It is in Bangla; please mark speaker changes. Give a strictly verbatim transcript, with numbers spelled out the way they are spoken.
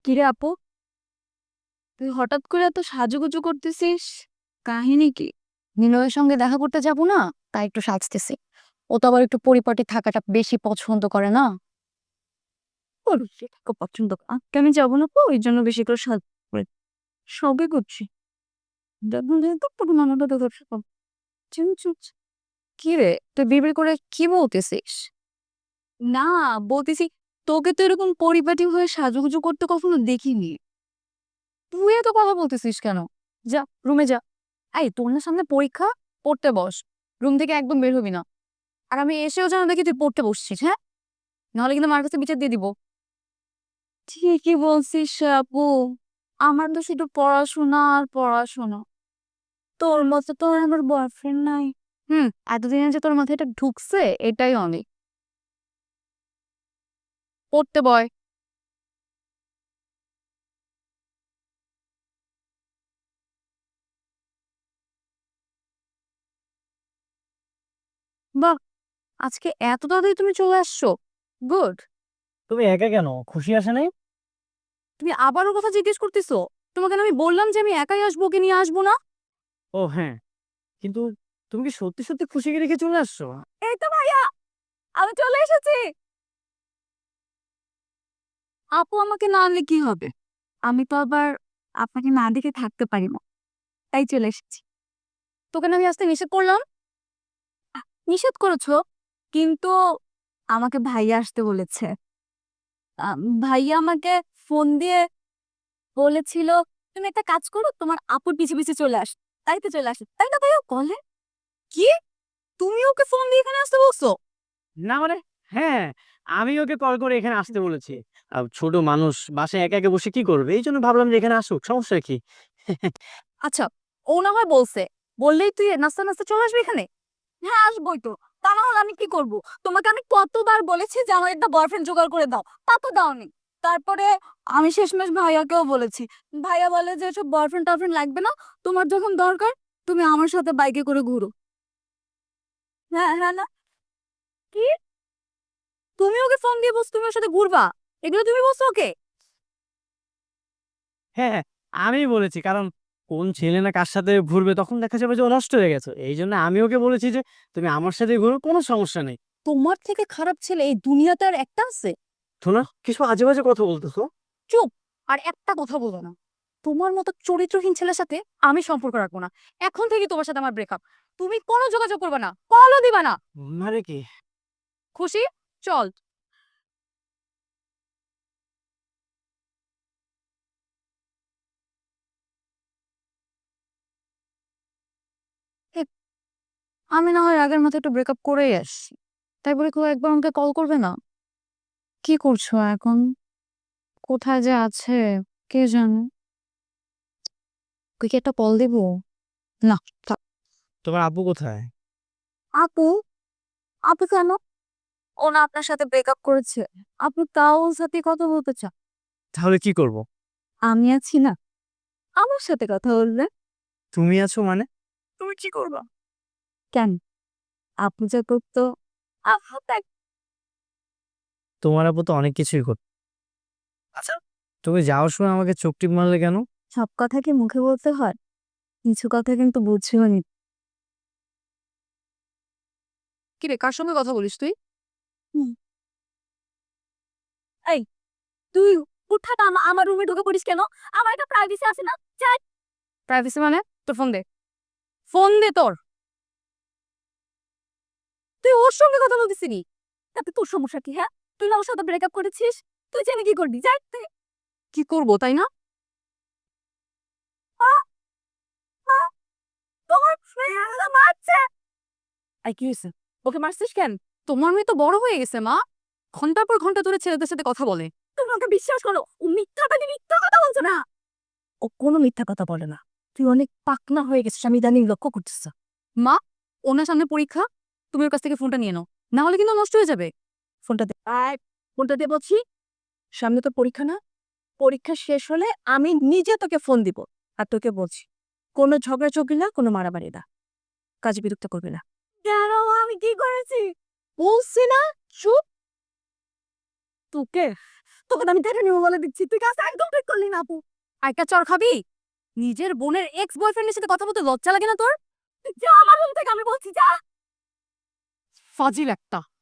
Speaker 1: কিরে আপু, তুই হঠাৎ করে এত সাজুগুজু করতেছিস? কাহিনী কি?
Speaker 2: নিলয়ের সঙ্গে দেখা করতে যাব না, তাই একটু সাজতেছি। ও তো আবার একটু পরিপাটি থাকাটা বেশি পছন্দ করে না।
Speaker 1: ওর সেটা খুব পছন্দ কর। আজকে আমি যাবো না তো, ওই জন্য বেশি করে সাজ করে সবে করছি। যখন যেহেতু পুরো মানাটা তোর সব চিনচুচ।
Speaker 2: কি রে, তুই বিড়বিড় করে কি বলতেছিস?
Speaker 1: না, বলতেছি তোকে তো এরকম পরিপাটি হয়ে সাজুগুজু করতে কখনো দেখিনি।
Speaker 2: তুই এত কথা বলতেছিস কেন? যা, রুমে যা। এই, তোর না সামনে পরীক্ষা, পড়তে বস। রুম থেকে একদম বের হবি না। আর আমি এসেও যেন দেখি তুই পড়তে বসছিস, হ্যাঁ? নাহলে কিন্তু আমার কাছে বিচার দিয়ে দিব।
Speaker 1: ঠিকই বলছিস আপু, আমার তো শুধু পড়াশোনা আর পড়াশোনা। তোর মতো তো আর আমার বয়ফ্রেন্ড নাই।
Speaker 2: হুম, এতদিনে যে তোর মাথায় এটা ঢুকছে, এটাই অনেক। পড়তে বয়। বাহ, আজকে এত তাড়াতাড়ি তুমি চলে আসছো। গুড।
Speaker 3: তুমি একা কেন? খুশি আসে নাই?
Speaker 2: তুমি আবারও কথা জিজ্ঞেস করতেছো? তোমাকে না আমি বললাম যে আমি একাই আসবো, ওকে নিয়ে আসবো না।
Speaker 3: ও হ্যাঁ, কিন্তু তুমি কি সত্যি সত্যি খুশিকে রেখে চলে আসছো?
Speaker 1: এই তো ভাইয়া, আমি চলে এসেছি। আপু আমাকে না আনলে কি হবে? আমি তো আবার আপনাকে না দেখে থাকতে পারি না, তাই চলে এসেছি।
Speaker 2: তোকে না আমি আসতে নিষেধ করলাম।
Speaker 1: নিষেধ করেছো, কিন্তু আমাকে ভাইয়া আসতে বলেছে। আম, ভাইয়া আমাকে ফোন দিয়ে বলেছিল তুমি একটা কাজ করো, তোমার আপুর পিছে পিছে চলে আস। তাই তো চলে আসে, তাই না ভাইয়া? বলে
Speaker 2: কি? তুমি ওকে ফোন দিয়ে এখানে আসতে বলছো?
Speaker 3: না মানে, হ্যাঁ, আমি ওকে কল করে এখানে আসতে বলেছি। আর ছোট মানুষ বাসায় একা একা বসে কি করবে, এই জন্য ভাবলাম যে এখানে আসুক, সমস্যা কি?
Speaker 2: আচ্ছা, ও না হয় বলছে, বললেই তুই নাস্তা নাস্তা চলে আসবি এখানে?
Speaker 1: হ্যাঁ আসবোই তো, তা না হলে আমি কি করব? তোমাকে আমি কতবার বলেছি যে আমার একটা বয়ফ্রেন্ড জোগাড় করে দাও, তা তো দাওনি। তারপরে আমি শেষমেশ ভাইয়াকেও বলেছি। ভাইয়া বলে যে এসব বয়ফ্রেন্ড টয়ফ্রেন্ড লাগবে না, তোমার যখন দরকার তুমি আমার সাথে বাইকে করে ঘুরো। হ্যাঁ হ্যাঁ না, কি?
Speaker 2: তুমি ওকে ফোন দিয়ে বলছো তুমি ওর সাথে ঘুরবা? এগুলো তুমি বলছো ওকে?
Speaker 3: হ্যাঁ হ্যাঁ, আমি বলেছি, কারণ কোন ছেলে না কার সাথে ঘুরবে তখন দেখা যাবে যে ও নষ্ট হয়ে গেছে, এই জন্য আমি ওকে বলেছি যে তুমি আমার সাথে ঘুরো, কোনো সমস্যা নেই।
Speaker 2: তোমার থেকে খারাপ ছেলে এই দুনিয়াতে আর একটা আছে?
Speaker 3: শোনা, কিছু আজে বাজে কথা বলতেছো।
Speaker 2: চুপ! আর একটা কথা বলো না। তোমার মতো চরিত্রহীন ছেলের সাথে আমি সম্পর্ক রাখবো না। এখন থেকে তোমার সাথে আমার ব্রেকআপ। তুমি কোনো যোগাযোগ করবে না, কলও দিবা না।
Speaker 3: মানে কি?
Speaker 2: খুশি? চল। এ, আমি না হয় আগের মতো একটু ব্রেকআপ করেই আসছি, তাই বলে কেউ একবার আমাকে কল করবে না? কি করছো এখন? কোথায় যে আছে কে জানে। তুই কি একটা কল দিব? না, থাক।
Speaker 3: তোমার আব্বু কোথায়?
Speaker 1: আপু, আপু কেন? ও না আপনার সাথে ব্রেকআপ করেছে, আপনি তাও ওর সাথে কথা বলতে চান?
Speaker 3: তাহলে কি করব?
Speaker 1: আমি আছি না, আমার সাথে কথা বলবে।
Speaker 3: তুমি আছো মানে? তুমি কি করবা?
Speaker 1: কেন? আপু যা করতো আপু তাই।
Speaker 3: তোমার আব্বু তো অনেক কিছুই করতো। আচ্ছা, তুমি যাওয়ার সময় আমাকে চোখ টিপ মারলে কেন?
Speaker 1: সব কথা কি মুখে বলতে হয়? কিছু কথা কিন্তু বুঝিও নি।
Speaker 2: কি রে, কার সঙ্গে কথা বলিস তুই?
Speaker 1: হুম, এই তুই উঠাটা আমা- আমার রুমে ঢুকে পড়িস কেন? আমার একটা প্রাইভেসি আছে না? চাই।
Speaker 2: প্রাইভেসি মানে? তোর ফোন দে। ফোন দে তোর।
Speaker 1: তুই ওর সঙ্গে কথা বলতেছিলি, তাতে তোর সমস্যা কি? হ্যাঁ, তুই না ওর সাথে ব্রেকআপ করেছিস, তুই জেনে কি করবি? যাই তুই।
Speaker 2: কি করবো তাই না?
Speaker 1: আ, আ, তোমার ফ্রেন্ড মারছে।
Speaker 2: আই, কি হয়েছে? ওকে মারছিস কেন? তোমার মেয়ে তো বড় হয়ে গেছে মা। ঘন্টার পর ঘন্টা ধরে ছেলেদের সাথে কথা বলে।
Speaker 1: তুমি ওকে বিশ্বাস করো? ও মিথ্যা বাদী, মিথ্যা কথা বলছো না। ও কোনো মিথ্যা কথা বলে না। তুই অনেক পাকনা হয়ে গেছিস, আমি ইদানিং লক্ষ্য করতেছ।
Speaker 2: মা, ওনার সামনে পরীক্ষা, তুমি ওর কাছ থেকে ফোনটা নিয়ে নাও, না হলে কিন্তু নষ্ট হয়ে যাবে।
Speaker 1: ফোনটা দে। আয়, ফোনটা দে বলছি। সামনে তো পরীক্ষা না? পরীক্ষা শেষ হলে আমি নিজে তোকে ফোন দিব। আর তোকে বলছি, কোনো ঝগড়াঝগড়ি না, কোনো মারামারি না, কাজে বিরক্ত করবি না। কেন? আমি কি করেছি? বলছি না, চুপ। তোকে তোকে তো আমি টেনে নিবো বলে দিচ্ছি, তুই কাজ একদম ঠিক করলি না আপু।
Speaker 2: একটা চর খাবি? নিজের বোনের এক্স বয়ফ্রেন্ডের সাথে কথা বলতে লজ্জা লাগে না তোর?
Speaker 1: যা আমার রুম থেকে, আমি বলছি যা।
Speaker 2: ফাজিল একটা।